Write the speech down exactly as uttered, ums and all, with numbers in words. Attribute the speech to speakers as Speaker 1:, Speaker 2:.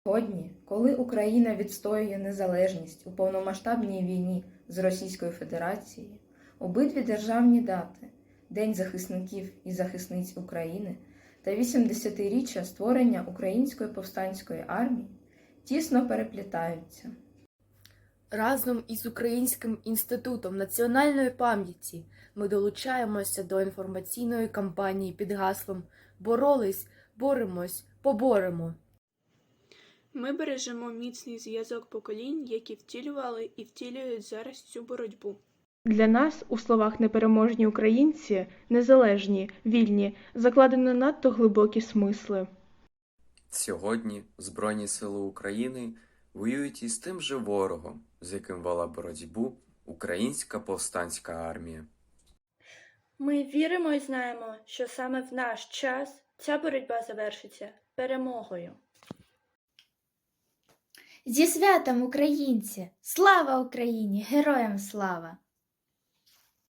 Speaker 1: Сьогодні, коли Україна відстоює незалежність у повномасштабній війні з Російською Федерацією, обидві державні дати – День захисників і захисниць України та вісімдесятиріччя створення Української повстанської армії тісно переплітаються.
Speaker 2: Разом із Українським інститутом національної пам'яті ми долучаємося до інформаційної кампанії під гаслом «Боролись, боремось, поборемо».
Speaker 3: Ми бережемо міцний зв'язок поколінь, які втілювали і втілюють зараз цю боротьбу.
Speaker 4: Для нас у словах «непереможні українці» незалежні, вільні, закладено надто глибокі смисли.
Speaker 5: Сьогодні Збройні сили України воюють із тим же ворогом, з яким вела боротьбу Українська повстанська армія.
Speaker 6: Ми віримо і знаємо, що саме в наш час ця боротьба завершиться перемогою.
Speaker 7: Зі святом, українці! Слава Україні! Героям слава!